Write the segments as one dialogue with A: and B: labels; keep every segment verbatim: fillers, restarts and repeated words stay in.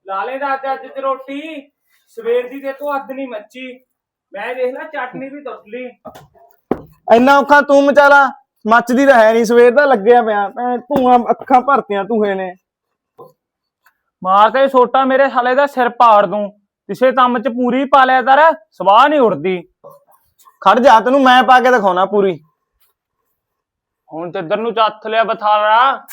A: ਲਾਲੇ ਦਾ ਅੱਜ ਅੱਜ ਚ ਰੋਟੀ ਸਵੇਰ ਦੀ ਤੇ ਤੂੰ ਅੱਧ ਨਹੀਂ ਮੱਚੀ। ਮੈਂ ਦੇਖ ਲਾ ਚਟਨੀ ਵੀ ਟੁੱਟ ਲਈ।
B: ਇੰਨਾ ਔਖਾ ਤੂੰ ਮਚਾਲਾ, ਮੱਚਦੀ ਤਾਂ ਹੈ ਨਹੀਂ, ਸਵੇਰ ਦਾ ਲੱਗਿਆ ਪਿਆ। ਭੈਣ ਧੂਆਂ ਅੱਖਾਂ ਭਰਤੀਆਂ ਧੂਏ ਨੇ।
A: ਮਾਰ ਕੇ ਛੋਟਾ ਮੇਰੇ ਸਾਲੇ ਦਾ ਸਿਰ ਪਾੜ ਦੂੰ। ਕਿਸੇ ਕੰਮ ਚ ਪੂਰੀ ਪਾ ਲਿਆ ਕਰ, ਸਵਾਹ ਨਹੀਂ ਉੜਦੀ।
B: ਖੜ ਜਾ, ਤੈਨੂੰ ਮੈਂ ਪਾ ਕੇ ਦਿਖਾਉਣਾ ਪੂਰੀ।
A: ਹੁਣ ਤੇ ਇੱਧਰ ਨੂੰ ਚੱਥ ਲਿਆ ਬਥਾਲਾ।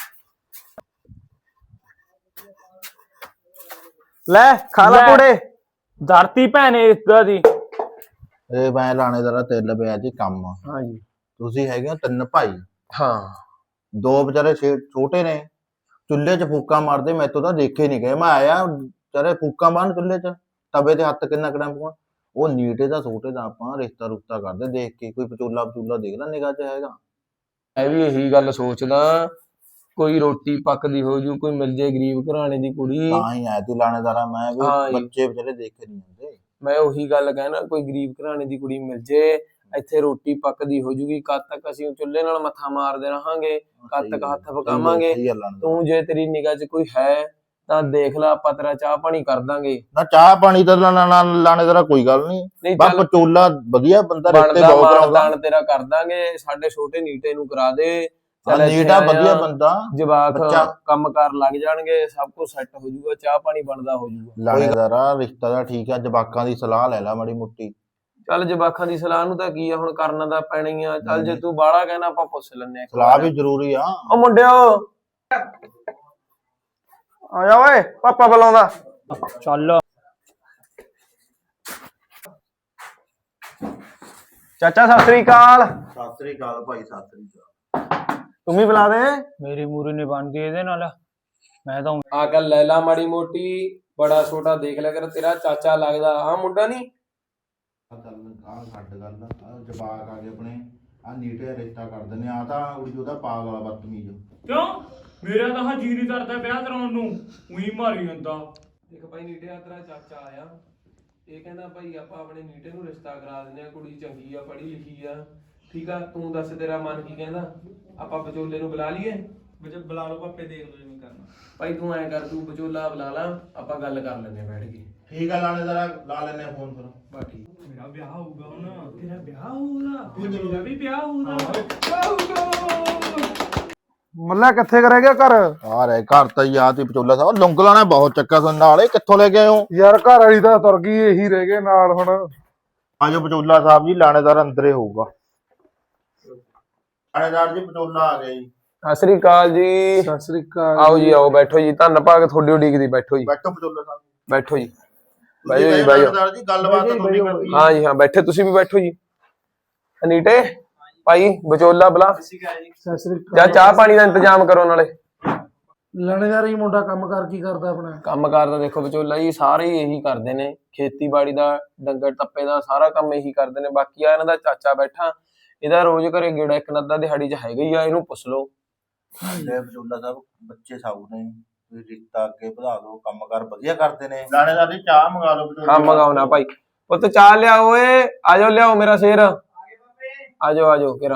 B: ਲੈ ਖਾ ਲੈ ਕੁੜੇ।
A: ਧਰਤੀ ਭੈਣੇ ਇਦਾਂ ਦੀ।
C: ਇਹ ਮੈਂ ਲਾਣੇ ਦਾ ਤਿਲ ਪਿਆ ਜੀ ਕੰਮ।
B: ਹਾਂਜੀ
C: ਤੁਸੀਂ ਹੈਗੇ ਹੋ ਤਿੰਨ ਭਾਈ।
B: ਹਾਂ।
C: ਦੋ ਵਿਚਾਰੇ ਛੋਟੇ ਨੇ, ਚੁੱਲ੍ਹੇ 'ਚ ਫੂਕਾ ਮਾਰਦੇ, ਮੈਥੋਂ ਤਾਂ ਦੇਖੇ ਨਹੀਂ ਗਏ। ਮੈਂ ਆਇਆ ਵਿਚਾਰੇ ਫੂਕਾ ਮਾਰਨ ਚੁੱਲ੍ਹੇ 'ਚ, ਤਵੇ ਤੇ ਹੱਥ ਕਿੰਨਾ ਕੜਾਂ ਪੂਆ। ਉਹ ਨੀਟੇ ਦਾ ਛੋਟੇ ਦਾ ਆਪਾਂ ਰਿਸ਼ਤਾ ਰੁਸ਼ਤਾ ਕਰਦੇ ਦੇਖ ਕੇ, ਕੋਈ ਪਚੋਲਾ ਪਚੂਲਾ ਦੇਖ ਲੈ ਨਿਗਾਹ 'ਚ ਹੈਗਾ।
D: ਮੈਂ ਵੀ ਇਹੀ ਗੱਲ ਸੋਚਦਾ, ਕੋਈ ਰੋਟੀ ਪੱਕਦੀ ਹੋ ਜੂ, ਕੋਈ ਮਿਲ ਜੇ ਗਰੀਬ ਘਰਾਣੇ ਦੀ ਕੁੜੀ।
C: ਤਾਂ ਹੀ ਆਇਆ ਤੂੰ ਲਾਣੇਦਾਰਾ, ਮੈਂ ਵੀ ਬੱਚੇ ਵਿਚਾਰੇ ਦੇਖੇ ਨਹੀਂ ਹੁੰਦੇ।
D: ਮੈਂ ਉਹੀ ਗੱਲ ਕਹਿਣਾ, ਕੋਈ ਗਰੀਬ ਘਰਾਣੇ ਦੀ ਕੁੜੀ ਮਿਲ ਜੇ, ਇੱਥੇ ਰੋਟੀ ਪੱਕਦੀ ਹੋ ਜੂਗੀ। ਕਦ ਤੱਕ ਅਸੀਂ ਚੁੱਲ੍ਹੇ ਨਾਲ ਮੱਥਾ ਮਾਰਦੇ ਰਹਾਂਗੇ, ਕਦ ਤੱਕ ਹੱਥ ਪਕਾਵਾਂਗੇ। ਤੂੰ ਜੇ ਤੇਰੀ ਨਿਗਾਹ 'ਚ ਕੋਈ ਹੈ ਤਾਂ ਦੇਖ ਲੈ, ਆਪਾਂ ਤੇਰਾ ਚਾਹ ਪਾਣੀ ਕਰ ਦਾਂਗੇ।
C: ਨਾ ਚਾਹ ਪਾਣੀ ਤਾਂ ਲਾਣੇਦਾਰਾ ਕੋਈ ਗੱਲ ਨਹੀਂ, ਬਸ ਪਚੋਲਾ ਵਧੀਆ ਬੰਦਾ, ਰਿਸ਼ਤੇ ਬਹੁਤ ਕਰਾਉਂਦਾ।
D: ਤੇਰਾ ਕਰ ਦਾਂਗੇ, ਸਾਡੇ ਛੋਟੇ ਨੀਟੇ ਨੂੰ ਕਰਾ ਦੇ।
C: ਨੀਟਾ ਵਧੀਆ ਬੰਦਾ,
D: ਜਵਾਕ ਕੰਮ ਕਾਰ ਲੱਗ ਜਾਣਗੇ, ਸਭ ਕੁਝ ਸੈੱਟ ਹੋ ਜਾਊਗਾ, ਚਾਹ ਪਾਣੀ ਬਣਦਾ ਹੋ ਜਾਊਗਾ।
C: ਲਾਣੇਦਾਰਾ ਰਿਸ਼ਤਾ ਦਾ ਠੀਕ ਆ, ਜਵਾਕਾਂ ਦੀ ਸਲਾਹ ਲੈ ਲੈ ਮਾੜੀ ਮੋਟੀ।
D: ਚੱਲ ਜਵਾਕਾਂ ਦੀ ਸਲਾਹ ਨੂੰ ਤਾਂ ਕੀ ਆ, ਹੁਣ ਕਰਨਾ ਤਾਂ ਪੈਣਾ ਹੀ ਆ। ਚੱਲ ਜੇ ਤੂੰ ਬਾਹਲਾ ਕਹਿਣਾ, ਆਪਾਂ ਪੁੱਛ ਲੈਂਦੇ ਆ।
C: ਸਲਾਹ ਵੀ ਜ਼ਰੂਰੀ ਆ।
D: ਉਹ ਮੁੰਡਿਓ
B: ਆ ਜਾ ਓਏ, ਪਾਪਾ ਬੁਲਾਉਂਦਾ।
A: ਚੱਲ
B: ਚਾਚਾ ਸਤਿ ਸ੍ਰੀ ਅਕਾਲ।
C: ਸਤਿ ਸ੍ਰੀ ਅਕਾਲ ਭਾਈ, ਸਤਿ ਸ੍ਰੀ ਅਕਾਲ।
B: ਤੂੰ ਵੀ ਬੁਲਾ ਦੇ।
A: ਮੇਰੀ ਮੂਰੀ ਨਹੀਂ ਬਣਦੀ ਇਹਦੇ ਨਾਲ। ਮੈਂ ਤਾਂ
D: ਆ ਗੱਲ ਲੈ ਲਾ ਮਾੜੀ ਮੋਟੀ, ਬੜਾ ਛੋਟਾ ਦੇਖ ਲਿਆ ਕਰ, ਤੇਰਾ ਚਾਚਾ ਲੱਗਦਾ ਆ ਮੁੰਡਾ ਨਹੀਂ।
C: ਗੱਲ ਛੱਡ ਗੱਲ, ਜਵਾਕ ਆ ਗਏ ਆਪਣੇ, ਆ ਨੀਟੇ ਰਿਸ਼ਤਾ ਕਰ ਦਿੰਦੇ ਆ। ਤਾਂ ਉੜੀ ਉਹਦਾ ਪਾਗ ਵਾਲਾ ਬਦਤਮੀਜ਼।
A: ਕਿਉਂ? ਮੇਰਾ ਤਾਂ ਹਾਂ ਜੀ ਨਹੀਂ ਕਰਦਾ ਵਿਆਹ ਕਰਾਉਣ ਨੂੰ, ਉਹੀ ਮਾਰੀ ਜਾਂਦਾ।
D: ਦੇਖ ਭਾਈ, ਨੀਟਿਆ ਤੇਰਾ ਚਾਚਾ ਆਇਆ, ਇਹ ਕਹਿੰਦਾ ਭਾਈ ਆਪਾਂ ਆਪਣੇ ਨੀਟੇ ਨੂੰ ਰਿਸ਼ਤਾ ਕਰਾ ਦਿੰਦੇ ਆ, ਕੁੜੀ ਚੰਗੀ ਆ, ਪੜ੍ਹੀ ਲਿਖੀ ਆ, ਠੀਕ ਆ। ਤੂੰ ਦੱਸ ਤੇਰਾ ਮਨ ਕੀ ਕਹਿੰਦਾ? ਆਪਾਂ ਵਿਚੋਲੇ ਨੂੰ ਬੁਲਾ ਲਈਏ?
A: ਬੁਲਾ ਲਓ ਪਾਪੇ, ਦੇਖ ਲਓ ਜਿਵੇਂ ਕਰਨਾ।
D: ਭਾਈ ਤੂੰ ਐ ਕਰ, ਤੂੰ ਵਿਚੋਲਾ ਬੁਲਾ ਲਾ, ਆਪਾਂ ਗੱਲ ਕਰ ਲੈਂਦੇ ਬੈਠ ਕੇ।
C: ਠੀਕ ਆ ਲਾਣੇਦਾਰਾ, ਲਾ ਲੈਨੇ ਫੋਨ ਫਿਰ।
D: ਬਸ ਠੀਕ।
A: ਮੇਰਾ ਵਿਆਹ ਹੋਊਗਾ ਹੁਣ, ਤੇਰਾ ਵਿਆਹ ਹੋਊਗਾ, ਮੇਰਾ ਵੀ ਵਿਆਹ ਹੋਊਗਾ।
B: ਮੱਲਾ ਕਿੱਥੇ ਰਹਿ ਗਿਆ ਘਰ?
C: ਆ ਰਹੇ ਘਰ ਤਾਂ ਯਾਦ ਹੀ ਪਚੋਲਾ ਸਾਹਿਬ, ਲੁੰਗ ਲਾਣਾ ਬਹੁਤ ਚੱਕਾ ਸੁਣ ਨਾਲੇ। ਕਿੱਥੋਂ ਲੈ ਕੇ ਆਏ ਹੋ
B: ਯਾਰ? ਘਰ ਵਾਲੀ ਤਾਂ ਤੁਰ ਗਈ, ਇਹੀ ਰਹਿ ਗਏ ਨਾਲ ਹੁਣ।
C: ਆਜੋ ਪਚੋਲਾ ਸਾਹਿਬ ਜੀ, ਲਾਣੇਦਾਰ ਅੰਦਰੇ ਹੋਊਗਾ। ਲਾਣੇਦਾਰ ਜੀ ਪਚੋਲਾ ਆ ਗਿਆ ਜੀ।
D: ਸਤਿ ਸ੍ਰੀ ਅਕਾਲ ਜੀ।
B: ਸਤਿ ਸ੍ਰੀ ਅਕਾਲ।
D: ਆਓ ਜੀ, ਆਓ ਬੈਠੋ ਜੀ, ਧੰਨ ਭਾਗ ਤੁਹਾਡੀ ਉਡੀਕਦੀ। ਬੈਠੋ ਜੀ,
C: ਬੈਠੋ ਪਚੋਲਾ ਸਾਹਿਬ,
D: ਬੈਠੋ ਜੀ,
C: ਬੈਠੋ ਜੀ। ਲਾਣੇਦਾਰ ਜੀ ਗੱਲਬਾਤ ਤਾਂ ਤੁਹਾਡੀ ਕਰਨੀ।
D: ਹਾਂ ਜੀ ਹਾਂ, ਬੈਠੇ, ਤੁਸੀਂ ਵੀ ਬੈਠੋ ਜੀ। ਅਨੀਟੇ ਭਾਈ ਵਿਚੋਲਾ ਬੁਲਾ,
B: ਸਤਿ ਸ੍ਰੀ ਅਕਾਲ।
D: ਜਾਂ ਚਾਹ ਪਾਣੀ ਦਾ ਇੰਤਜ਼ਾਮ ਕਰੋ ਨਾਲੇ।
B: ਲਾਣੇਦਾਰ ਹੀ ਮੁੰਡਾ ਕੰਮ ਕਰ ਕੀ ਕਰਦਾ ਆਪਣਾ?
D: ਕੰਮ ਕਾਰ ਦਾ ਦੇਖੋ ਵਿਚੋਲਾ ਜੀ, ਸਾਰੇ ਹੀ ਇਹੀ ਕਰਦੇ ਨੇ, ਖੇਤੀਬਾੜੀ ਦਾ, ਡੰਗਰ ਟੱਪੇ ਦਾ ਸਾਰਾ ਕੰਮ ਇਹੀ ਕਰਦੇ ਨੇ। ਬਾਕੀ ਆ ਇਹਨਾਂ ਦਾ ਚਾਚਾ ਬੈਠਾ, ਇਹਦਾ ਰੋਜ਼ ਘਰੇ ਗੇੜਾ ਇੱਕ ਨੱਦਾ ਦਿਹਾੜੀ 'ਚ ਹੈਗਾ ਹੀ ਆ, ਇਹਨੂੰ ਪੁੱਛ ਲਓ।
C: ਪਚੋਲਾ ਸਾਹਿਬ ਬੱਚੇ ਸਾਊ ਨੇ, ਤੁਸੀਂ ਰਿਸ਼ਤਾ ਅੱਗੇ ਵਧਾ ਦਿਓ, ਕੰਮ ਕਾਰ ਵਧੀਆ ਕਰਦੇ ਨੇ। ਲਾਣੇਦਾਰ ਜੀ ਚਾਹ ਮੰਗਾ ਲਓ।
D: ਹਾਂ ਮੰਗਾਉਣਾ ਭਾਈ, ਪੁੱਤ ਚਾਹ ਲਿਆਓ ਓਏ, ਆਜੋ ਲਿਆਓ ਮੇਰਾ ਸ਼ੇਰ, ਆਜੋ ਆਜੋ ਕਿਰਾ।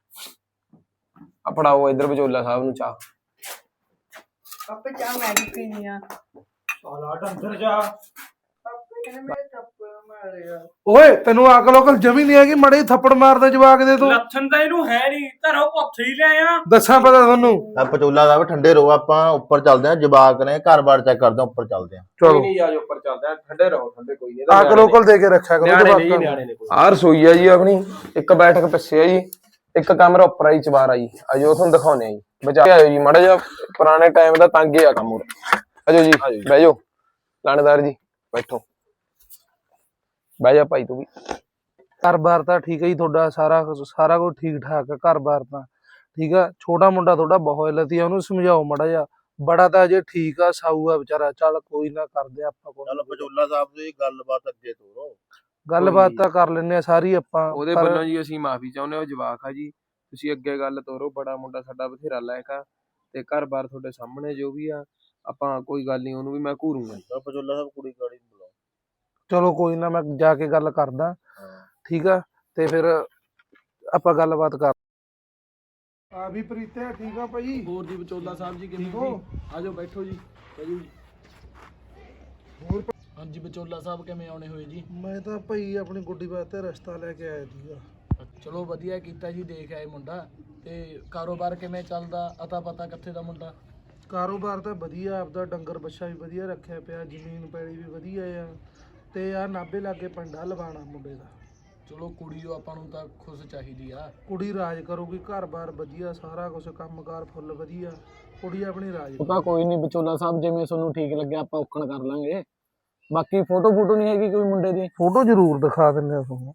D: ਆ ਫੜਾਓ ਇੱਧਰ ਵਿਚੋਲਾ ਸਾਹਿਬ ਨੂੰ ਚਾਹ।
E: ਪਾਪੇ ਚਾਹ ਮੈਂ ਵੀ ਪੀਣੀ ਆ।
A: ਸਾਲਾ ਡੰਗਰ ਜਾ।
E: ਪਾਪੇ ਕਹਿੰਦੇ ਮੇਰੇ ਥੱਪੜ ਮਾਰਿਆ।
B: ਓਏ ਤੈਨੂੰ ਅਕਲ ਉਕਲ ਜਮੀ ਨਹੀਂ ਹੈਗੀ, ਮੜੇ ਥੱਪੜ ਮਾਰਦਾ ਜਵਾਕ ਦੇ ਤੂੰ।
A: ਲੱਥਣ ਤਾਂ ਇਹਨੂੰ ਹੈ ਨਹੀਂ, ਘਰੋਂ ਪੁੱਛ ਹੀ ਲੈ ਆ।
B: ਦੱਸਾਂ ਪਤਾ ਤੁਹਾਨੂੰ?
C: ਪਚੋਲਾ ਸਾਹਿਬ ਠੰਡੇ ਰਹੋ, ਆਪਾਂ ਉੱਪਰ ਚੱਲਦੇ ਆਂ, ਜਵਾਕ ਨੇ ਘਰ-ਬਾਰ ਚੈੱਕ ਕਰਦੇ ਆਂ, ਉੱਪਰ ਚੱਲਦੇ ਆਂ।
B: ਚਲੋ
D: ਨਹੀਂ ਆਜੋ ਉੱਪਰ ਚੱਲਦੇ ਆ, ਠੰਡੇ ਰਹੋ, ਠੰਡੇ ਕੋਈ ਨਹੀਂ।
B: ਅਕਲ ਉਕਲ ਦੇ ਕੇ ਰੱਖਿਆ ਕਰੋ
D: ਜਵਾਕਾਂ ਨੂੰ। ਆਹ ਰਸੋਈ ਆ ਜੀ ਆਪਣੀ, ਇੱਕ ਬੈਠਕ ਪਿੱਛੇ ਆ ਜੀ, ਇੱਕ ਕਮਰਾ ਉੱਪਰ ਆ ਜੀ, ਚਬਾਰ ਆ ਜੀ। ਆਜੋ ਤੁਹਾਨੂੰ ਦਿਖਾਉਣੇ ਆ ਜੀ, ਬਚਾ ਆਇਓ ਜੀ ਮਾੜਾ ਜਿਹਾ, ਪੁਰਾਣੇ ਟਾਈਮ ਦਾ ਤੰਗ ਆ ਕੰਮ। ਆਜੋ ਜੀ, ਬਹਿ ਜਾਓ ਲਾਣੇਦਾਰ ਜੀ, ਬੈਠੋ, ਬਹਿ ਜਾ ਭਾਈ ਤੂੰ ਵੀ।
B: ਘਰ-ਬਾਰ ਤਾਂ ਠੀਕ ਹੈ ਜੀ ਤੁਹਾਡਾ, ਸਾਰਾ ਸਾਰਾ ਕੁਝ ਠੀਕ ਠਾਕ ਆ ਘਰ-ਬਾਰ ਤਾਂ, ਠੀਕ ਆ। ਛੋਟਾ ਮੁੰਡਾ ਤੁਹਾਡਾ ਬਹੁਤ ਲਤੀਆ, ਉਹਨੂੰ ਸਮਝਾਓ ਮਾੜਾ ਜਿਹਾ। ਬੜਾ ਤਾਂ ਅਜੇ ਠੀਕ ਆ, ਸਾਊ ਆ ਵਿਚਾਰਾ। ਚੱਲ ਕੋਈ ਨਾ, ਕਰਦੇ ਆਪਾਂ ਕੋਲ।
C: ਚਲੋ ਪਚੋਲਾ ਸਾਹਿਬ ਦੀ ਗੱਲਬਾਤ ਅੱਗੇ ਤੋਰੋ।
B: ਗੱਲਬਾਤ ਤਾਂ ਕਰ ਲੈਂਦੇ ਆ ਸਾਰੀ ਆਪਾਂ।
D: ਉਹਦੇ ਵੱਲੋਂ ਜੀ ਅਸੀਂ ਮਾਫੀ ਚਾਹੁੰਦੇ ਹਾਂ, ਉਹ ਜਵਾਕ ਆ ਜੀ, ਤੁਸੀਂ ਅੱਗੇ ਗੱਲ ਤੋਰੋ। ਬੜਾ ਮੁੰਡਾ ਸਾਡਾ ਬਥੇਰਾ ਲਾਇਕ ਆ, ਤੇ ਘਰ-ਬਾਰ ਤੁਹਾਡੇ ਸਾਹਮਣੇ ਜੋ ਵੀ ਆ, ਆਪਾਂ ਕੋਈ ਗੱਲ ਨਹੀਂ, ਉਹਨੂੰ ਵੀ ਮੈਂ ਘੂਰੂੰਗਾ।
C: ਪਚੋਲਾ ਸਾਹਿਬ ਕੁੜੀ ਕਾੜੀ ਨੂੰ ਬੁਲਾਓ।
B: ਚਲੋ ਕੋਈ ਨਾ, ਮੈਂ ਜਾ ਕੇ ਗੱਲ ਕਰਦਾ, ਠੀਕ ਆ। ਤੇ ਫਿਰ ਆਪਾਂ ਗੱਲਬਾਤ ਕਰ। ਆ ਵੀ ਪ੍ਰੀਤੇ ਠੀਕ ਆ ਭਾਈ?
D: ਹੋਰ ਜੀ ਵਿਚੋਲਾ ਸਾਹਿਬ ਜੀ ਕਿਵੇਂ ਹੋ? ਆਜੋ ਬੈਠੋ ਜੀ, ਬੈਠੋ ਜੀ।
B: ਹੋਰ
F: ਹਾਂਜੀ ਵਿਚੋਲਾ ਸਾਹਿਬ ਕਿਵੇਂ ਆਉਣੇ ਹੋਏ ਜੀ?
B: ਮੈਂ ਤਾਂ ਭਾਈ ਆਪਣੀ ਗੁੱਡੀ ਵਾਸਤੇ ਰਸਤਾ ਲੈ ਕੇ ਆਇਆ ਸੀਗਾ।
F: ਚਲੋ ਵਧੀਆ ਕੀਤਾ ਜੀ, ਦੇਖ ਆਏ ਮੁੰਡਾ। ਤੇ ਕਾਰੋਬਾਰ ਕਿਵੇਂ ਚੱਲਦਾ? ਅਤਾ ਪਤਾ ਕਿੱਥੇ ਦਾ ਮੁੰਡਾ?
B: ਕਾਰੋਬਾਰ ਤਾਂ ਵਧੀਆ, ਆਪਦਾ ਡੰਗਰ ਬੱਛਾ ਵੀ ਵਧੀਆ ਰੱਖਿਆ ਪਿਆ, ਜ਼ਮੀਨ ਪੈਲੀ ਵੀ ਵਧੀਆ ਆ, ਤੇ ਆ ਨਾਭੇ ਲਾਗੇ ਪਿੰਡਾ ਲਵਾਣਾ ਮੁੰਡੇ ਦਾ।
F: ਚਲੋ ਕੁੜੀ ਉਹ ਆਪਾਂ ਨੂੰ ਤਾਂ ਖੁਸ਼ ਚਾਹੀਦੀ ਆ।
B: ਕੁੜੀ ਰਾਜ ਕਰੂਗੀ, ਘਰ-ਬਾਰ ਵਧੀਆ, ਸਾਰਾ ਕੁਝ ਕੰਮਕਾਰ ਫੁੱਲ ਵਧੀਆ, ਕੁੜੀ ਆਪਣੀ ਰਾਜ
F: ਉਹ ਤਾਂ ਕੋਈ ਨਹੀਂ ਵਿਚੋਲਾ ਸਾਹਿਬ, ਜਿਵੇਂ ਤੁਹਾਨੂੰ ਠੀਕ ਲੱਗਿਆ ਆਪਾਂ ਔਖਣ ਕਰ ਲਾਂਗੇ। ਬਾਕੀ ਫੋਟੋ ਫੋਟੋ ਨਹੀਂ ਹੈਗੀ ਕੋਈ ਮੁੰਡੇ ਦੀ?
B: ਫੋਟੋ ਜ਼ਰੂਰ ਦਿਖਾ ਦਿੰਦੇ ਆ ਤੁਹਾਨੂੰ।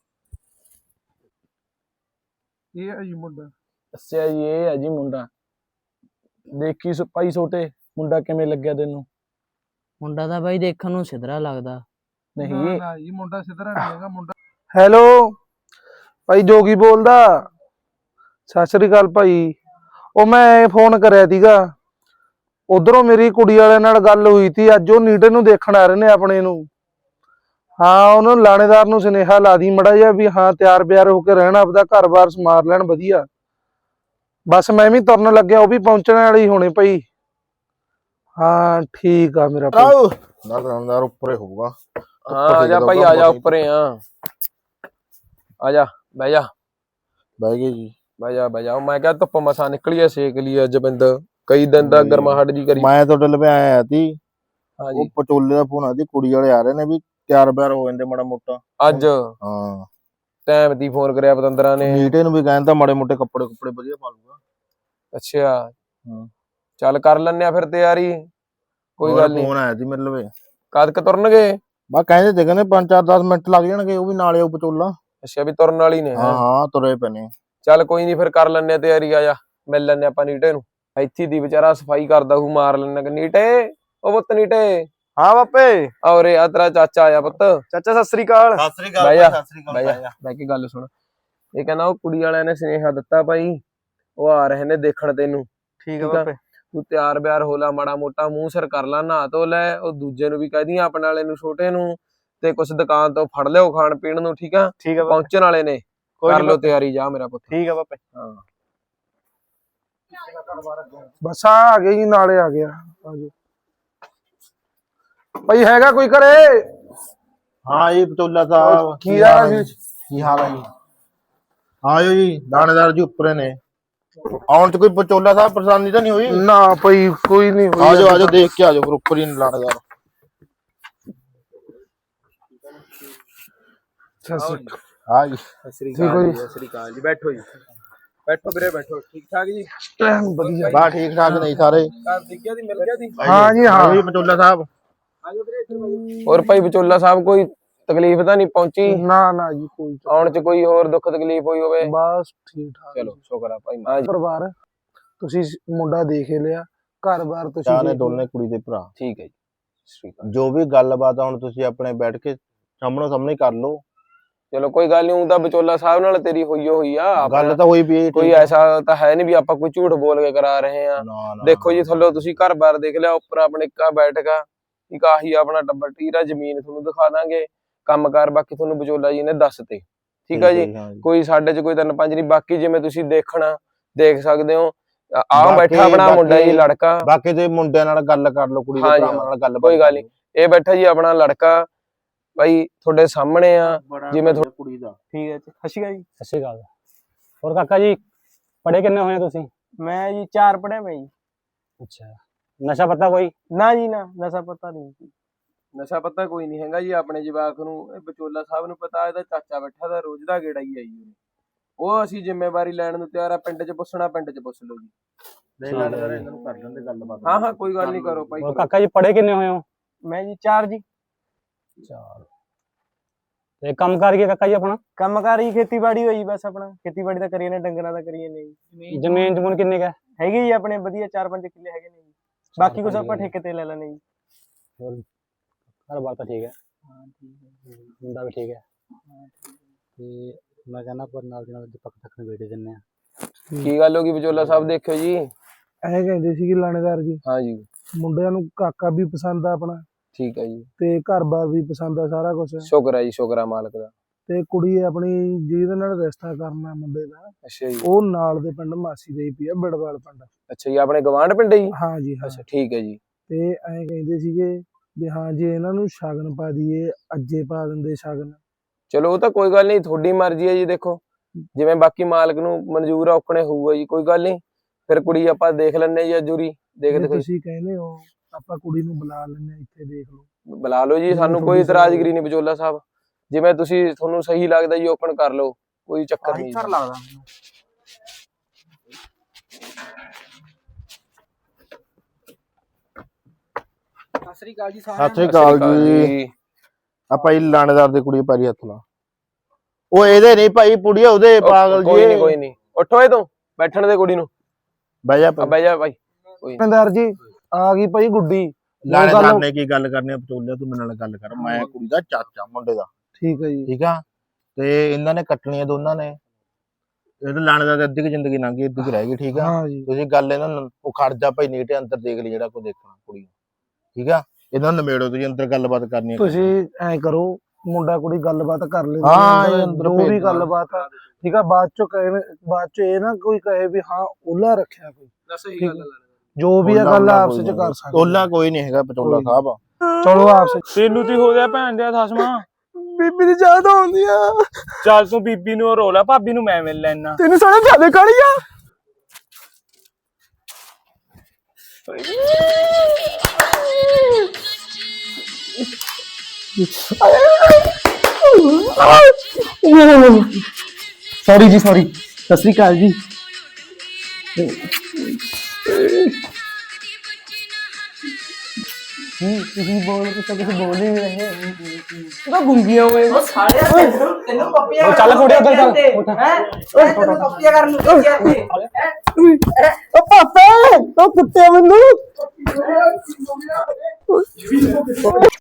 B: ਇਹ ਹੈ ਜੀ ਮੁੰਡਾ।
F: ਅੱਛਾ ਜੀ, ਇਹ ਹੈ ਜੀ ਮੁੰਡਾ। ਦੇਖੀ ਸ- ਭਾਈ ਛੋਟੇ, ਮੁੰਡਾ ਕਿਵੇਂ ਲੱਗਿਆ ਤੈਨੂੰ?
G: ਮੁੰਡਾ ਤਾਂ ਬਾਈ ਦੇਖਣ ਨੂੰ ਸਿਧਰਾ ਲੱਗਦਾ।
F: ਨਹੀਂ
B: ਨਾ ਜੀ ਮੁੰਡਾ ਸਿੱਧਰਾ ਨਹੀਂ ਹੈਗਾ ਮੁੰਡਾ। ਹੈਲੋ ਭਾਈ, ਜੋਗੀ ਬੋਲਦਾ। ਸਤਿ ਸ੍ਰੀ ਅਕਾਲ ਭਾਈ। ਉਹ ਮੈਂ ਫੋਨ ਕਰਿਆ ਸੀਗਾ, ਉਧਰੋਂ ਮੇਰੀ ਕੁੜੀ ਵਾਲਿਆਂ ਨਾਲ ਗੱਲ ਹੋਈ ਸੀ, ਅੱਜ ਉਹ ਨੀਟੇ ਨੂੰ ਦੇਖਣ ਆ ਰਹੇ ਨੇ ਆਪਣੇ ਨੂੰ। ਹਾਂ, ਉਹਨਾਂ ਲਾਣੇਦਾਰ ਨੂੰ ਸੁਨੇਹਾ ਲਾ ਦੀ ਮੜਾ ਜਿਹਾ ਵੀ ਹਾਂ ਤਿਆਰ ਬਿਆਰ ਹੋ ਕੇ ਰਹਿਣਾ, ਆਪਦਾ ਘਰ-ਬਾਰ ਸਮਾਰ ਲੈਣ ਵਧੀਆ। ਬਸ ਮੈਂ ਵੀ ਤੁਰਨ ਲੱਗਿਆ, ਉਹ ਵੀ ਪਹੁੰਚਣ ਵਾਲੇ ਹੀ ਹੋਣੇ ਭਾਈ। ਹਾਂ ਠੀਕ ਆ ਮੇਰਾ ਭਾਈ।
C: ਨਾ ਦੁਕਾਨਦਾਰ ਉੱਪਰ ਹੀ ਹੋਊਗਾ।
D: ਹਾਂ ਆ ਜਾ ਭਾਈ, ਆ ਜਾ ਉੱਪਰੇ ਆ ਆ ਜਾ ਬਹਿ ਜਾ
C: ਬਹਿ ਗਏ ਜੀ।
D: ਬਹਿ ਜਾ ਬਹਿ ਜਾ। ਮੈਂ ਕਿਹਾ ਧੁੱਪ ਮਸਾ ਨਿਕਲੀ ਐ, ਸੇਕ ਲਈ ਅੱਜ ਬਿੰਦ ਕਈ ਦਿਨ ਦਾ ਗਰਮਾਹਟ ਜੀ ਕਰੀ।
C: ਮੈਂ ਤੁਹਾਡੇ ਲਵੇ ਆਇਆ ਸੀ,
D: ਹਾਂਜੀ
C: ਉਹ ਪਟੋਲੇ ਦਾ ਫੋਨ ਆਦੀ, ਕੁੜੀ ਵਾਲੇ ਆ ਰਹੇ ਨੇ ਵੀ ਤਿਆਰ ਬਿਆਰ ਹੋ ਜਾਂਦੇ ਮਾੜਾ ਮੋਟਾ।
D: ਅੱਜ
C: ਹਾਂ
D: ਟਾਈਮ ਦੀ ਫੋਨ ਕਰਿਆ ਪਤੰਦਰਾਂ ਨੇ।
C: ਨੀਟੇ ਨੂੰ ਵੀ ਕਹਿੰਦਾ ਮਾੜੇ ਮੋਟੇ ਕੱਪੜੇ ਕੁੱਪੜੇ ਵਧੀਆ ਪਾ ਲੂਗਾ।
D: ਅੱਛਾ
C: ਹਾਂ
D: ਚੱਲ ਕਰ ਲੈਨੇ ਆ ਫਿਰ ਤਿਆਰੀ, ਕੋਈ ਗੱਲ ਨੀ।
C: ਫੋਨ ਆਇਆ ਸੀ ਮੇਰੇ ਲਵੇ।
D: ਕਦ ਕ ਤੁਰਨਗੇ?
C: ਬਾ ਕਹਿੰਦੇ ਤੇ ਕਹਿੰਦੇ ਪੰਜ ਚਾਰ ਦਸ ਮਿੰਟ ਲੱਗ ਜਾਣਗੇ, ਉਹ ਵੀ ਨਾਲੇ ਉਹ ਪਟੋਲਾ।
D: ਅੱਛਾ ਵੀ ਤੁਰਨ ਵਾਲੀ ਨੇ।
C: ਹਾਂ ਹਾਂ ਤੁਰੇ ਪਏ ਨੇ।
D: ਚੱਲ ਕੋਈ ਨੀ ਫਿਰ ਕਰ ਲੈਨੇ ਆ ਤਿਆਰੀ, ਆ ਜਾ ਮਿਲ ਲੈਨੇ ਆਪਾਂ ਨੀਟੇ ਨੂੰ। ਇੱਥੇ ਦੀ ਵਿਚਾਰਾ ਸਫਾਈ ਕਰਦਾ ਹੂ, ਮਾਰ ਲੈਣਾ ਨੀਟੇ। ਉਹ ਪੁੱਤ ਨੀਟੇ।
A: ਹਾਂ ਬਾਪੇ।
D: ਔਰੇ ਆ ਤੇਰਾ ਚਾਚਾ ਆਇਆ ਪੁੱਤ।
A: ਚਾਚਾ ਸਤਿ ਸ੍ਰੀ ਅਕਾਲ।
C: ਸਤਿ ਸ੍ਰੀ
D: ਬਹਿ ਜਾ ਬਹਿ ਜਾ ਬਹਿ ਕੇ ਗੱਲ ਸੁਣ। ਇਹ ਕਹਿੰਦਾ ਉਹ ਕੁੜੀ ਵਾਲਿਆਂ ਨੇ ਸੁਨੇਹਾ ਦਿੱਤਾ ਭਾਈ, ਉਹ ਆ ਰਹੇ ਨੇ ਦੇਖਣ ਤੈਨੂੰ।
A: ਠੀਕ
D: ਆ ਬਾਪੇ। ਤੂੰ ਤਿਆਰ ਬਿਆਰ ਹੋ ਲਾ, ਮਾੜਾ ਮੋਟਾ ਮੂੰਹ ਸਿਰ ਕਰ ਲਾ, ਨਹਾ ਧੋ ਲੈ। ਉਹ ਦੂਜੇ ਨੂੰ ਵੀ ਕਹਿ ਦੀ ਆਪਣੇ ਵਾਲੇ ਨੂੰ, ਛੋਟੇ ਨੂੰ, ਤੇ ਕੁਛ ਦੁਕਾਨ ਤੋਂ ਫੜ ਲਿਓ ਖਾਣ ਪੀਣ ਨੂੰ, ਠੀਕ ਆ?
A: ਠੀਕ ਆ
D: ਪਹੁੰਚਣ ਵਾਲੇ ਨੇ, ਕਰ ਲਓ ਤਿਆਰੀ, ਜਾ ਮੇਰਾ ਪੁੱਤ।
A: ਠੀਕ ਆ ਬਾਪੇ।
D: ਹਾਂ
B: ਬਸ ਆ ਆ ਗਏ ਜੀ, ਨਾਲੇ ਆ ਗਿਆ। ਆਜੋ ਭਾਈ, ਹੈਗਾ ਕੋਈ ਘਰੇ?
C: ਹਾਂ ਜੀ ਪਟੋਲਾ ਸਾਹਿਬ,
B: ਕੀ ਹਾਲ ਹੈ ਜੀ?
C: ਕੀ ਹਾਲ ਹੈ ਜੀ? ਆਜੋ ਜੀ, ਦਾਣੇਦਾਰ ਜੀ ਉੱਪਰੇ ਨੇ। ਆਉਣ ਚ ਕੋਈ ਪਟੋਲਾ ਸਾਹਿਬ ਪਰੇਸ਼ਾਨੀ ਤਾਂ ਨਹੀਂ ਹੋਈ?
B: ਨਾ ਭਾਈ ਕੋਈ ਨਹੀਂ ਹੋਈ।
C: ਆਜੋ ਆਜੋ, ਦੇਖ ਕੇ ਆਜੋ, ਫਿਰ ਉੱਪਰ ਹੀ ਦਾਣੇਦਾਰ।
B: ਸਤਿ ਸ੍ਰੀ ਅਕਾਲ।
C: ਹਾਂ ਜੀ
D: ਸਤਿ ਸ੍ਰੀ
B: ਠੀਕ ਹੋ
D: ਅਕਾਲ
B: ਜੀ?
D: ਜੀ, ਸਤਿ ਸ੍ਰੀ ਅਕਾਲ ਜੀ। ਬੈਠੋ ਜੀ, ਬੈਠੋ ਵੀਰੇ ਬੈਠੋ। ਠੀਕ ਠਾਕ ਜੀ?
B: ਐਨ ਵਧੀਆ।
C: ਬਾ ਠੀਕ ਠਾਕ ਨਹੀਂ ਸਾਰੇ?
D: ਘਰ ਦਿਖਿਆ ਦੀ, ਮਿਲ ਗਿਆ ਦੀ?
B: ਹਾਂ ਜੀ ਹਾਂ।
C: ਜੀ ਪਟੋਲਾ ਸਾਹਿਬ।
D: ਹੋਰ ਭਾਈ ਵਿਚੋਲਾ ਸਾਹਿਬ, ਕੋਈ ਤਕਲੀਫ ਤਾਂ ਨਹੀਂ ਪਹੁੰਚੀ?
B: ਨਾ ਨਾ ਜੀ ਕੋਈ
D: ਆਉਣ ਚ ਕੋਈ ਹੋਰ ਦੁੱਖ ਤਕਲੀਫ ਹੋਈ ਹੋਵੇ?
B: ਬਸ ਠੀਕ ਠਾਕ।
D: ਚਲੋ ਸ਼ੁਕਰ ਆ ਭਾਈ। ਹਾਂ ਜੀ
B: ਪਰਿਵਾਰ ਤੁਸੀਂ ਮੁੰਡਾ ਦੇਖ ਹੀ ਲਿਆ, ਘਰ-ਬਾਰ ਤੁਸੀਂ
C: ਚਾਹ ਨੇ
B: ਦੇਖ
C: ਦੋਨੇ ਕੁੜੀ ਦੇ ਭਰਾ।
D: ਠੀਕ ਹੈ ਜੀ, ਸਤਿ ਸ੍ਰੀ ਅਕਾਲ।
C: ਜੋ ਵੀ ਗੱਲਬਾਤ ਆ ਹੁਣ ਤੁਸੀਂ ਆਪਣੇ ਬੈਠ ਕੇ ਸਾਹਮਣੇ ਸਾਹਮਣੇ ਕਰ ਲਓ।
D: ਚਲੋ ਕੋਈ ਗੱਲ ਨਹੀਂ, ਉਹ ਤਾਂ ਵਿਚੋਲਾ ਸਾਹਿਬ ਨਾਲ ਤੇਰੀ ਹੋਈ ਹੋਈ ਆ। ਆਪਣਾ
C: ਗੱਲ ਤਾਂ ਹੋਈ ਵੀ ਇਹ
D: ਕੋਈ ਐਸਾ ਤਾਂ ਹੈ ਨਹੀਂ ਵੀ ਆਪਾਂ ਕੋਈ ਝੂਠ ਬੋਲ ਕੇ ਕਰਾ ਰਹੇ ਆ।
C: ਨਾ ਨਾ
D: ਦੇਖੋ ਜੀ, ਥੱਲੇ ਤੁਸੀਂ ਘਰ-ਬਾਰ ਦੇਖ ਲਿਆ, ਉੱਪਰ ਆਪਣੇ ਇੱਕਾ ਬੈਠਕਾ, ਇੱਕ ਆਹੀ ਆਪਣਾ ਟੱਬਰ ਟੀਰਾ, ਜ਼ਮੀਨ ਤੁਹਾਨੂੰ ਦਿਖਾ ਦਾਂਗੇ, ਕੰਮਕਾਰ ਬਾਕੀ ਤੁਹਾਨੂੰ ਵਿਚੋਲਾ ਜੀ ਨੇ ਦੱਸ ਤੇ। ਠੀਕ ਆ ਜੀ,
C: ਹਾਂ ਜੀ।
D: ਕੋਈ ਸਾਡੇ ਚ ਕੋਈ ਤਿੰਨ ਪੰਜ ਨਹੀਂ। ਬਾਕੀ ਜਿਵੇਂ ਤੁਸੀਂ ਦੇਖਣਾ ਦੇਖ ਸਕਦੇ ਹੋ, ਆ
C: ਬਾਕੀ-
D: ਬੈਠਾ ਆਪਣਾ ਮੁੰਡਾ ਜੀ,
C: ਬਾਕੀ-
D: ਲੜਕਾ।
C: ਬਾਕੀ ਤੇ ਮੁੰਡਿਆਂ ਨਾਲ ਗੱਲ ਕਰ ਲਓ, ਕੁੜੀ ਦੇ
D: ਹਾਂ ਜੀ,
C: ਭਰਾਵਾਂ ਨਾਲ ਗੱਲ
D: ਕੋਈ ਗੱਲ ਨੀ। ਇਹ ਬੈਠਾ ਜੀ ਆਪਣਾ ਲੜਕਾ, ਭਾਈ ਤੁਹਾਡੇ ਸਾਹਮਣੇ ਆ। ਜਿਵੇਂ
C: ਜਿਵੇਂ ਕੁੜੀ ਦਾ
A: ਠੀਕ ਹੈ ਜੀ, ਸਤਿ ਸ਼੍ਰੀ ਅਕਾਲ ਜੀ। ਸਤਿ ਸ਼੍ਰੀ ਅਕਾਲ। ਹੋਰ ਕਾਕਾ ਜੀ, ਪੜ੍ਹੇ ਕਿੰਨੇ ਹੋਏ ਤੁਸੀਂ?
G: ਮੈਂ ਜੀ ਚਾਰ ਪੜਿਆ ਮੈਂ ਜੀ।
A: ਅੱਛਾ, ਨਸ਼ਾ ਪਤਾ ਕੋਈ?
G: ਨਾ ਜੀ ਨਾ, ਨਸ਼ਾ ਪਤਾ ਨਹੀਂ।
D: ਨਸ਼ਾ ਪਤਾ ਕੋਈ ਨਹੀਂ ਹੈਗਾ ਜੀ ਆਪਣੇ ਜਵਾਕ ਨੂੰ। ਇਹ ਵਿਚੋਲਾ ਸਾਹਿਬ ਨੂੰ ਪਤਾ, ਇਹਦਾ ਚਾਚਾ ਬੈਠਾ ਦਾ ਰੋਜ਼ ਦਾ ਗੇੜਾ ਹੀ ਆਈ ਉਹਨੇ। ਉਹ ਅਸੀਂ ਜ਼ਿੰਮੇਵਾਰੀ ਲੈਣ ਨੂੰ ਤਿਆਰ ਆ। ਪਿੰਡ 'ਚ ਪੁੱਛਣਾ, ਪਿੰਡ 'ਚ ਪੁੱਛ ਲਓ ਜੀ।
C: ਦੇ ਲੜਦਾ ਇਹਨਾਂ ਨੂੰ ਕਰ ਲੈਂਦੇ ਗੱਲਬਾਤ।
D: ਹਾਂ ਹਾਂ ਕੋਈ ਗੱਲ ਨਹੀਂ, ਕਰੋ ਭਾਈ।
A: ਹੋਰ ਕਾਕਾ ਜੀ, ਪੜ੍ਹੇ ਕਿੰਨੇ ਹੋਏ ਹੋ?
G: ਮੈਂ ਜੀ ਚਾਰ ਜੀ।
A: ਚਾਰ। ਤੇ ਕੰਮ ਕਰ ਗਿਆ ਕਾਕਾ ਜੀ ਆਪਣਾ?
G: ਕੰਮ ਕਾਰ ਹੀ ਖੇਤੀਬਾੜੀ ਹੋਈ, ਬਸ ਆਪਣਾ ਖੇਤੀਬਾੜੀ ਦਾ ਕਰੀਏ ਨੇ, ਡੰਗਰਾਂ ਦਾ ਕਰੀਏ ਨੇ ਜੀ।
A: ਜ਼ਮੀਨ ਜਮੂਨ ਕਿੰਨੀ ਕਾ
G: ਹੈਗੀ ਜੀ ਆਪਣੇ ਵਧੀਆ, ਚਾਰ ਪੰਜ ਕਿੱਲੇ ਹੈਗੇ ਨੇ ਜੀ। ਬਾਕੀ ਕੁਛ ਆਪਾਂ ਠੇਕੇ ਤੇ ਲੈ ਲੈਣੇ ਜੀ।
A: ਘਰ ਬਾਰ ਤਾਂ ਠੀਕ ਹੈ? ਮੁੰਡਾ ਵੀ ਠੀਕ ਹੈ? ਤੇ ਮੈਂ ਕਹਿੰਦਾ ਪਰ ਨਾਲ ਦੀ ਨਾਲ ਪੱਕ ਤੱਕ ਨੂੰ ਵੇੜੇ ਦਿੰਨੇ ਆ।
D: ਕੀ ਗੱਲ ਹੋ ਗਈ ਵਿਚੋਲਾ ਸਾਹਿਬ? ਦੇਖਿਓ ਜੀ।
B: ਇਹ ਕਹਿੰਦੇ ਸੀਗੇ ਲਾਣੇਦਾਰ ਜੀ,
D: ਹਾਂ ਜੀ,
B: ਮੁੰਡਿਆਂ ਨੂੰ ਕਾਕਾ ਵੀ ਪਸੰਦ ਆ ਆਪਣਾ,
D: ਠੀਕ ਹੈ ਜੀ।
B: ਤੇ ਘਰ-ਬਾਰ ਵੀ ਪਸੰਦ ਆ, ਸਾਰਾ ਕੁਝ।
D: ਸ਼ੁਕਰ ਹੈ ਜੀ, ਸ਼ੁਕਰ ਆ ਮਾਲਕ ਦਾ।
B: ਤੇ ਕੁੜੀ ਆਪਣੀ ਜਿਹਦੇ ਨਾਲ ਰਿਸ਼ਤਾ ਕਰਨਾ ਮੁੰਡੇ ਦਾ,
D: ਅੱਛਾ ਜੀ,
B: ਉਹ ਨਾਲ ਦੇ ਪਿੰਡ ਮਾਸੀ ਦੇ ਹੀ ਪਈ ਆ, ਬਿੜਵਾਲ ਪਿੰਡ।
D: ਅੱਛਾ ਜੀ, ਆਪਣੇ ਗਵਾਂਢ ਪਿੰਡ ਜੀ?
B: ਹਾਂ ਜੀ ਹਾਂ।
D: ਅੱਛਾ ਠੀਕ ਹੈ ਜੀ।
B: ਤੇ ਐਂ ਕਹਿੰਦੇ ਸੀਗੇ ਵੀ ਹਾਂ ਜੇ ਇਹਨਾਂ ਨੂੰ ਸ਼ਗਨ ਪਾ ਦਈਏ, ਅੱਜੇ ਪਾ ਦਿੰਦੇ ਸ਼ਗਨ।
D: ਚਲੋ ਉਹ ਤਾਂ ਕੋਈ ਗੱਲ ਨਹੀਂ, ਤੁਹਾਡੀ ਮਰਜ਼ੀ ਹੈ ਜੀ। ਦੇਖੋ ਜਿਵੇਂ ਬਾਕੀ ਮਾਲਕ ਨੂੰ ਮਨਜ਼ੂਰ ਆ ਔਕਣੇ ਹੋਊਗਾ ਜੀ, ਕੋਈ ਗੱਲ ਨਹੀਂ। ਫਿਰ ਕੁੜੀ ਆਪਾਂ ਦੇਖ ਲੈਣੇ ਜੀ ਅਜੂਰੀ ਦੇਖ
B: ਜੇ
D: ਦੇਖੋ
B: ਤੁਸੀਂ ਕਹਿੰਦੇ ਹੋ ਆਪਾਂ ਕੁੜੀ ਨੂੰ ਬੁਲਾ ਲੈਂਦੇ ਹਾਂ, ਇੱਥੇ ਦੇਖ ਲਓ।
D: ਬੁਲਾ ਲਓ ਜੀ, ਸਾਨੂੰ ਕੋਈ ਇਤਰਾਜ਼ਗਰੀ ਨਹੀਂ ਵਿਚੋਲਾ ਸਾਹਿਬ। ਜਿਵੇਂ ਤੁਸੀਂ ਤੁਹਾਨੂੰ ਸਹੀ ਲੱਗਦਾ ਜੀ ਓਪਨ ਕਰ ਲਓ, ਕੋਈ ਚੱਕਰ ਨਹੀਂ।
G: ਸਰ ਲੱਗਦਾ ਮੈਨੂੰ। ਸਤਿ ਸ੍ਰੀ ਅਕਾਲ ਜੀ ਸਾਰਿਆਂ
C: ਸਤਿ ਸ੍ਰੀ ਅਕਾਲ ਜੀ। ਆਪਾਂ ਹੀ ਲਾਣੇਦਾਰ ਦੀ ਕੁੜੀ ਪੈਰੀ ਹੱਥ ਲਾ। ਉਹ ਇਹਦੇ ਨਹੀਂ ਭਾਈ, ਪੁੜੀਆ ਉਹਦੇ ਪਾਗਲ ਜੀ।
D: ਕੋਈ ਨਹੀਂ ਕੋਈ ਨਹੀਂ, ਉੱਠੋ ਇਹ ਤੋਂ ਬੈਠਣ ਦੇ ਕੁੜੀ ਨੂੰ।
C: ਬਹਿ ਜਾ
D: ਆ ਬਹਿ ਜਾ ਭਾਈ।
B: ਸਰਦਾਰ ਜੀ ਆ ਗਈ ਭਾਈ ਗੁੱਡੀ।
C: ਲਾਣੇਦਾਰ ਨੇ ਕੀ ਗੱਲ ਕਰਨੀ ਆ ਪਚੋਲਿਆ, ਤੂੰ ਮੇਰੇ ਨਾਲ ਗੱਲ ਕਰ। ਮੈਂ ਕੁੜੀ ਦਾ ਚਾਚਾ ਮੁੰਡੇ ਦਾ,
B: ਠੀਕ ਹੈ ਜੀ।
C: ਠੀਕ ਆ। ਤੇ ਇਹਨਾਂ ਨੇ ਕੱਟਣੀਆਂ ਦੋਨਾਂ ਨੇ। ਇਹ ਤਾਂ ਲਾਣੇਦਾਰ ਦੀ ਅੱਧੀ ਕੀ ਜ਼ਿੰਦਗੀ ਲੰਘ ਗਈ, ਅੱਧੀ ਕੀ ਰਹਿ ਗਈ, ਠੀਕ ਆ।
B: ਹਾਂ ਜੀ।
C: ਤੁਸੀਂ ਗੱਲ ਇਹਨਾਂ ਨੂੰ ਉਹ ਖੜ ਜਾ ਭਾਈ, ਨੀਟੇ ਅੰਦਰ ਦੇਖ ਲਈ ਜਿਹੜਾ ਕੋ ਦੇਖਣਾ ਕੁੜੀ ਨੂੰ, ਠੀਕ ਆ। ਇਹਨਾਂ ਨੂੰ ਨਿਬੇੜੋ, ਤੁਸੀਂ ਅੰਦਰ ਗੱਲਬਾਤ ਕਰਨੀ ਆ।
B: ਤੁਸੀਂ ਐਂ ਕਰੋ, ਮੁੰਡਾ ਕੁੜੀ ਗੱਲਬਾਤ ਕਰ ਲੈਂਦੇ
C: ਹਾਂ,
B: ਨੇ,
C: ਇਹ ਅੰਦਰ
B: ਜੋ
C: ਭੇਜ
B: ਵੀ
C: ਦੇਣਾ।
B: ਗੱਲਬਾਤ ਆ, ਠੀਕ ਆ। ਬਾਅਦ ਚੋਂ ਕਹੇ ਬਾਅਦ ਚ ਇਹ ਨਾ ਕੋਈ ਕਹੇ ਵੀ ਹਾਂ ਉਹਲਾ ਰੱਖਿਆ ਕੋਈ,
F: ਸਹੀ
B: ਠੀਕ
F: ਗੱਲ
B: ਆ। ਜੋ ਵੀ ਆ ਗੱਲ ਆਪਸ ਚ ਕਰ ਸਕਦੇ।
C: ਟੋਲਾ ਕੋਈ ਨਹੀਂ ਹੈਗਾ ਪਚੋਲਾ ਸਾਹਿਬ।
B: ਚਲੋ ਆਪਸ ਚ।
G: ਤੈਨੂੰ ਤੀ ਹੋ ਗਿਆ ਭੈਣ ਦੇ ਥਸਮਾ।
B: ਬੀਬੀ ਦੀ ਯਾਦ ਆਉਂਦੀ ਆ।
G: ਚੱਲ ਤੂੰ ਬੀਬੀ ਨੂੰ ਰੋਲਾ, ਭਾਬੀ ਨੂੰ ਮੈਂ ਮਿਲ ਲੈਣਾ।
B: ਤੈਨੂੰ ਸਾਲੇ ਜਿਆਦੇ ਕਾਲੀ ਆ।
G: ਸੌਰੀ ਜੀ, ਸੌਰੀ। ਸਤਿ ਸ੍ਰੀ ਅਕਾਲ ਜੀ। ਤੁਸੀਂ ਬੋਲ ਕੁਛ ਕੁਛ ਬੋਲ ਹੀ ਨਹੀਂ ਰਹੇ। ਤੂੰ ਤਾਂ ਗੁੰਗੀਆਂ ਹੋਏ।
E: ਉਹ ਸਾਲਿਆ ਤੈਨੂੰ ਤੈਨੂੰ ਪੱਪੀਆਂ
G: ਉਹ ਚੱਲ ਕੁੜੀਆ ਉੱਧਰ ਚੱਲ।
E: ਹੈ ਓਏ ਤੈਨੂੰ ਪੱਪੀਆਂ ਕਰਨ ਨੂੰ ਭੇਜਿਆ ਸੀ।
B: ਉਹ ਪਾਪਾ ਉਹ ਕੁੱਤੇ ਮੈਨੂੰ